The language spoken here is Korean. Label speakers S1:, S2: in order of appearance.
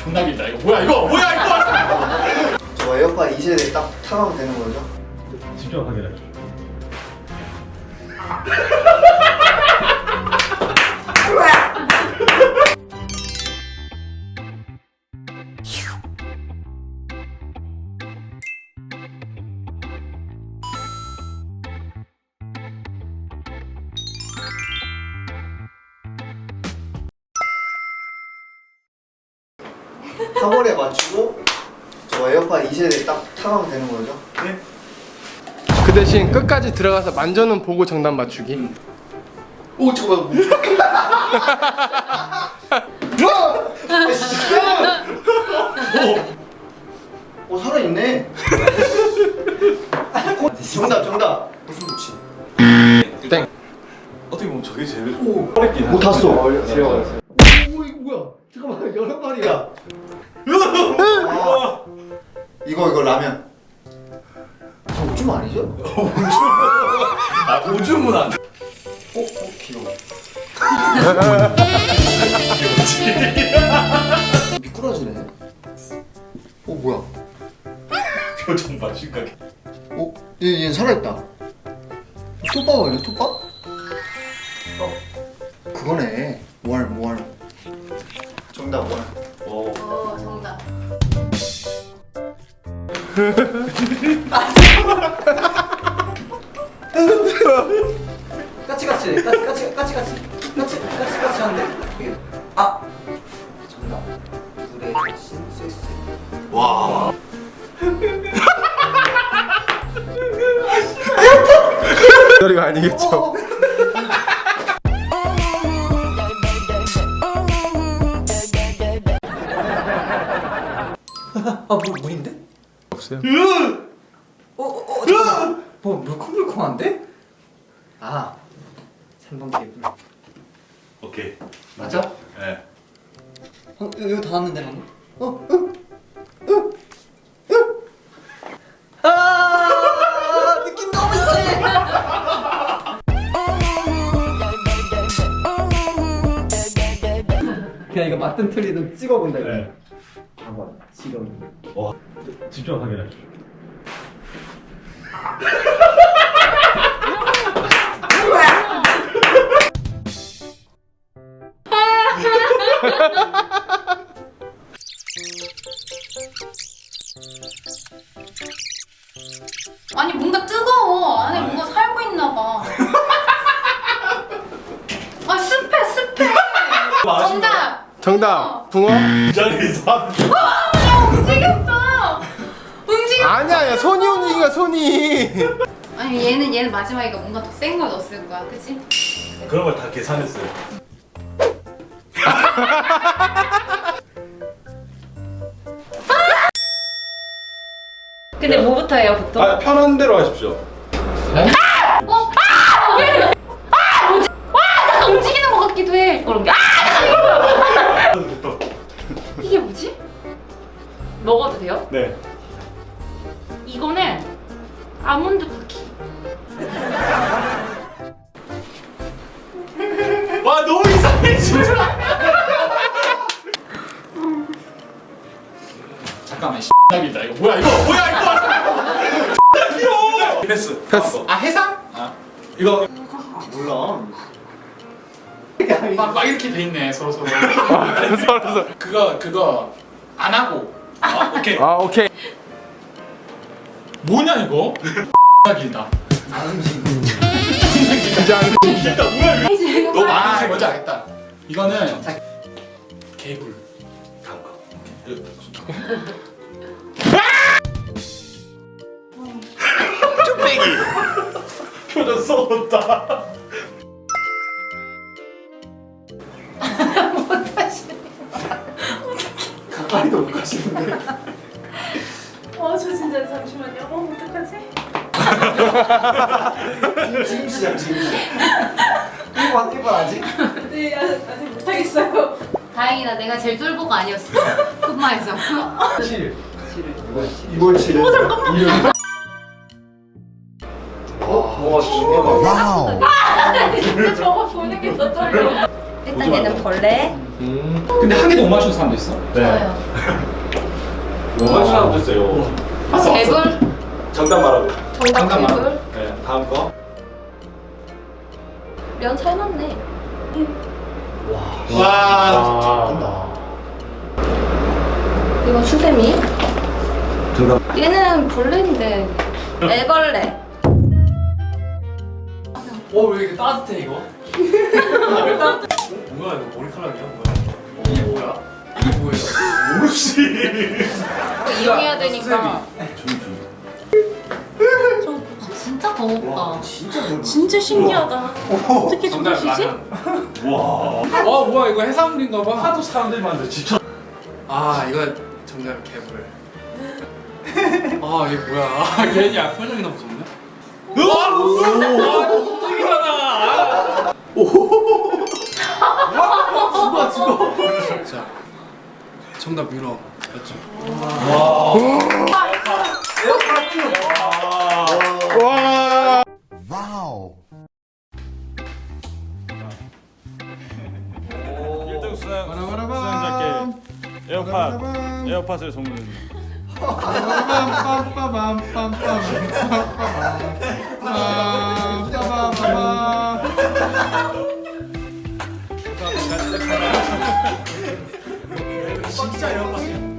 S1: 존나 길다. 이거 뭐야 이거? 뭐야 이거?
S2: 저 에어팟 2세대 딱 타가면 되는 거죠?
S3: 직접 확인해.
S2: 타월에 맞추고 저 에어팟 2세대 딱 타가면 되는 거죠?
S1: 네.
S4: 그 대신 끝까지 들어가서 만져는 보고 정답 맞추기.
S2: 오 잠깐만 오 살아있네. 정답 무슨 무치?
S4: 땡.
S3: 어떻게 보면 저게 제일
S2: 오
S3: 어렵긴
S2: 못 탔어.
S3: 오
S2: 오 이거 뭐야? 잠깐만 여러 마리야. 아, 이거 라면. 저 오줌 아니죠?
S3: 아 오줌은 안 돼.
S2: 귀여워. 미꾸라지네. 뭐야?
S3: 표정 봐 심각해.
S2: 얘 살아있다. 톱밥 아니야? 톱밥? 그거네. 모알. 정답 모알.
S5: 정답.
S2: 까치까치 하는데. 아 정답. 물에 신 섹스.
S3: 와.
S4: 소리가 아니겠죠.
S2: 물인데?
S4: 없어요.
S2: 잠깐만. 물컹물컹한데? 3번 개불.
S3: 오케이.
S2: 맞아?
S3: 네.
S2: 이거 다 왔는데 방금? 느낌 너무 이상해. 그냥 이거 맞든 틀리든 찍어본다 이거.
S3: 네.
S2: 봐봐 지금.
S3: 와. 직접 확인해.
S5: 아니 뭔가 뜨거워. 안에 뭔가 살고 있나 봐. 아 습해. 정답.
S4: 붕어?
S3: 이 자리에서
S5: 야 움직였어.
S4: 아니야, 손이 움직인 거야, 손이.
S5: 아니 얘는 마지막이가 뭔가 더 센 걸 넣었을 거야, 그치?
S3: 그런 걸 다 계산했어요.
S5: 근데 뭐부터 해요 보통?
S3: 아 편한 대로 하십시오.
S5: 잠깐 움직이는 것 같기도 해. 그런 게. 이게 뭐지? 먹어도 돼요?
S3: 네.
S5: 이거는 아몬드 쿠키.
S1: 와 너무 이상해 진짜. 잠깐만 X나 길다. 이거 뭐야 이거? 뭐야 이거? X나 귀여워.
S3: 패스.
S1: 아 해상?
S3: 이거
S2: 몰라.
S1: 막 이렇게 돼 있네 서로.
S4: 서로.
S1: 그거 안 하고. 오케이.
S4: 오케이.
S1: 뭐냐 이거? X나 길다.
S2: 안 움직여.
S4: 이제 안
S1: 길다 뭐야 이거? 너
S5: 아,
S1: 많이 뭔지 알겠다. 이거는 개불.
S3: 다음 거.
S1: 표정 썩었다.
S2: 가까이도 못 가시는데.
S5: 저 진짜 잠시만요. 어떡하지?
S2: 지금 시작. 1번 아직?
S5: 네, 아직 못하겠어요. 다행이다. 내가 제일 쫄보가 아니었어. 흑마에서.
S2: 7. 2월 7일. 와, 진짜.
S5: 진짜 저거 보는 게 더 떨려.
S6: 일단 얘는 벌레.
S3: 근데 한 개도 못 맞추는 사람도 있어?
S5: 저요.
S1: 뭐 맞추는 사람도 있어요.
S5: 개불.
S1: 정답 말하고.
S6: 정답 개불.
S1: 네, 다음 거.
S6: 면 삶았네.
S1: 와.
S6: 이건 수세미.
S2: 정답.
S6: 얘는 벌레인데. 애벌레.
S1: 왜 이렇게 따뜻해 이거? 왜 따뜻해? 뭐야 이거 머리카락이야 뭐야? 이게 뭐야? 이게 뭐예요? 모르지.
S6: 이용해야 되니까.
S5: 진짜 더웠다.
S6: 진짜 신기하다. 어떻게
S1: 정답
S6: 주무시지?
S1: 라면.
S3: 뭐야 이거 해산물인가 봐.
S1: 하도 사람들이 많은데 지쳐.
S4: 아 이거 정답 개불. 아 이게 뭐야?
S1: 괜히 표정이 너무 무섭네. 깜짝이잖아.
S4: 자 정답 유럽 맞죠? 와.
S7: 와우.
S8: 1등
S4: 바라바라밤.
S8: 수상자께 에어팟을 선물해줍니다.
S4: 진짜 에어팟이야.